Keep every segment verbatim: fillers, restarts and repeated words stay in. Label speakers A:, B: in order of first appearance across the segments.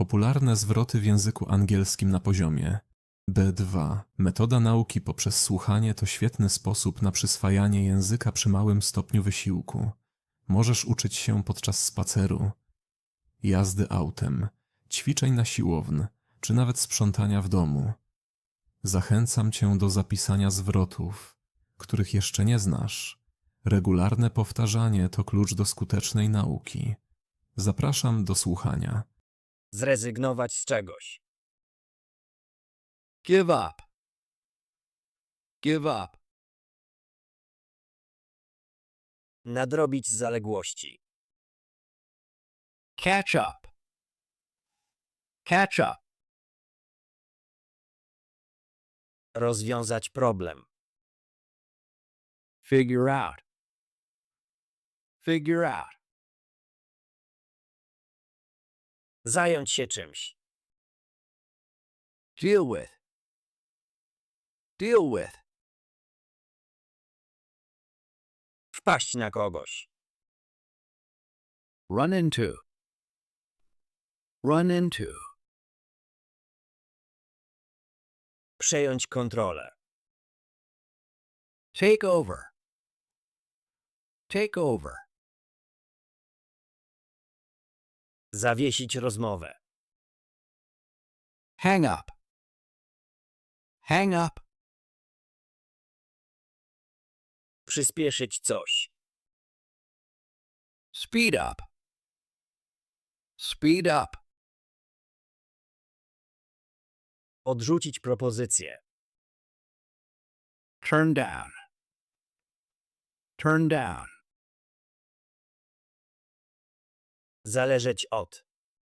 A: Popularne zwroty w języku angielskim na poziomie B dwa. Metoda nauki poprzez słuchanie to świetny sposób na przyswajanie języka przy małym stopniu wysiłku. Możesz uczyć się podczas spaceru, jazdy autem, ćwiczeń na siłowni, czy nawet sprzątania w domu. Zachęcam cię do zapisania zwrotów, których jeszcze nie znasz. Regularne powtarzanie to klucz do skutecznej nauki. Zapraszam do słuchania.
B: Zrezygnować z czegoś.
C: Give up. Give up.
B: Nadrobić zaległości.
C: Catch up. Catch up.
B: Rozwiązać problem.
C: Figure out. Figure out.
B: Zająć się czymś.
C: Deal with. Deal with.
B: Wpaść na kogoś.
C: Run into. Run into.
B: Przejąć kontrolę.
C: Take over. Take over.
B: Zawiesić rozmowę.
C: Hang up. Hang up.
B: Przyspieszyć coś.
C: Speed up. Speed up.
B: Odrzucić propozycję.
C: Turn down. Turn down.
B: Zależeć od.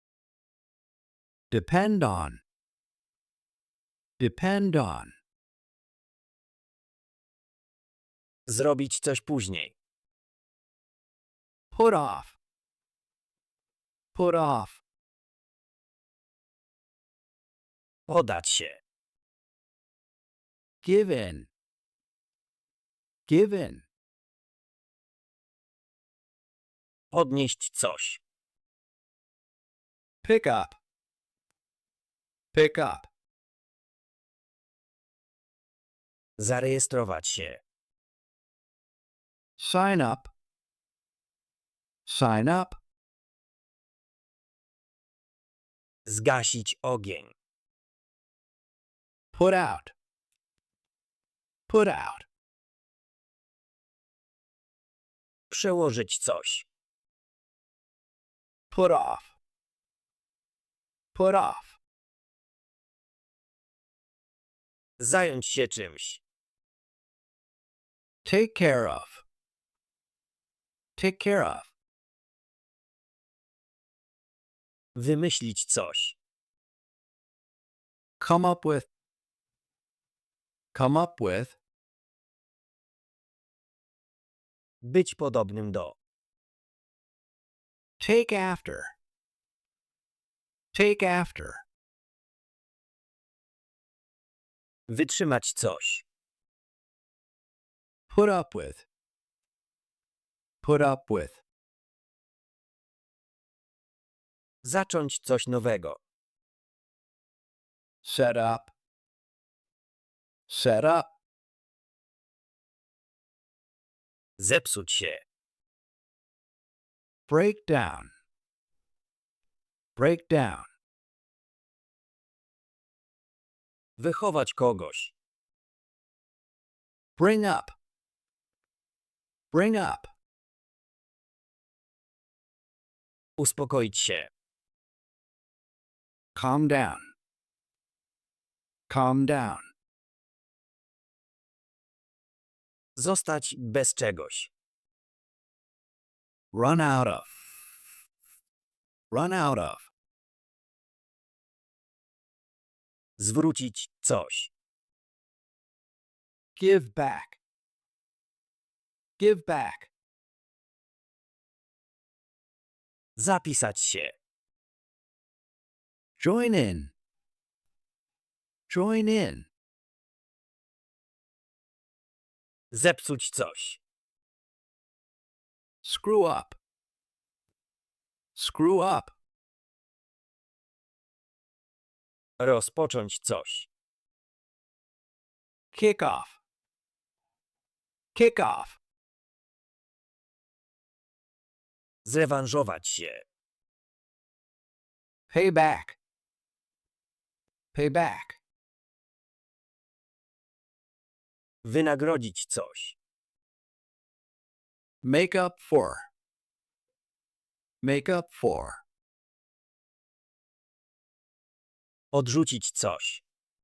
C: Depend on. Depend on.
B: Zrobić coś później.
C: Put off. Put off.
B: Podać się.
C: Give in. Give in.
B: Podnieść coś.
C: Pick up. Pick up.
B: Zarejestrować się.
C: Sign up. Sign up.
B: Zgasić ogień.
C: Put out. Put out.
B: Przełożyć coś.
C: Put off. Put off.
B: Zająć się czymś.
C: Take care of. Take care of.
B: Wymyślić coś.
C: Come up with. Come up with.
B: Być podobnym do.
C: Take after. Take after.
B: Wytrzymać coś.
C: Put up with. Put up with.
B: Zacząć coś nowego.
C: Set up. Set up.
B: Zepsuć się.
C: Break down. Break down.
B: Wychować kogoś.
C: Bring up. Bring up.
B: Uspokoić się.
C: Calm down. Calm down.
B: Zostać bez czegoś.
C: Run out of. Run out of.
B: Zwrócić coś.
C: Give back. Give back.
B: Zapisać się.
C: Join in. Join in.
B: Zepsuć coś.
C: Screw up. Screw up.
B: Rozpocząć coś.
C: Kick off. Kick off.
B: Zrewanżować się.
C: Pay back. Pay back.
B: Wynagrodzić coś.
C: Make up for. Make up for.
B: Odrzucić coś.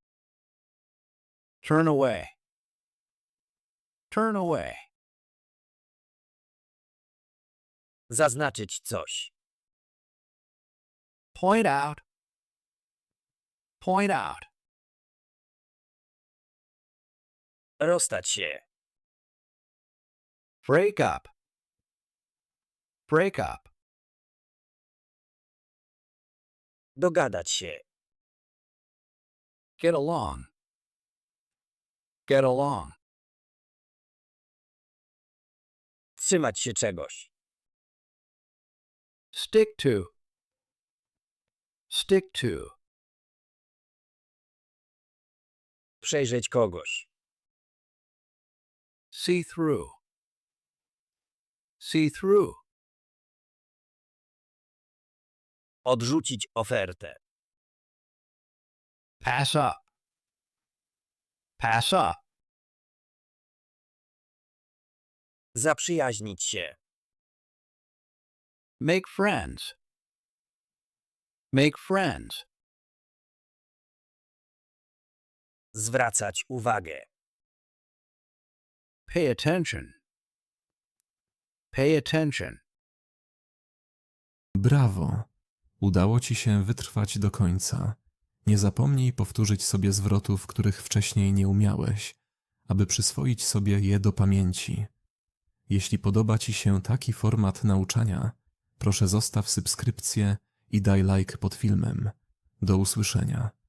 C: Turn away. Turn away.
B: Zaznaczyć coś.
C: Point out. Point out.
B: Rozstać się.
C: Break up. Break up.
B: Dogadać się.
C: Get along. Get along.
B: Trzymać się czegoś.
C: Stick to. Stick to.
B: Przejrzeć kogoś.
C: See through. See through.
B: Odrzucić ofertę.
C: Pass up. Pass up.
B: Zaprzyjaźnić się.
C: Make friends. Make friends.
B: Zwracać uwagę.
C: Pay attention. Pay attention.
A: Brawo! Udało ci się wytrwać do końca. Nie zapomnij powtórzyć sobie zwrotów, których wcześniej nie umiałeś, aby przyswoić sobie je do pamięci. Jeśli podoba ci się taki format nauczania, proszę zostaw subskrypcję i daj like pod filmem. Do usłyszenia.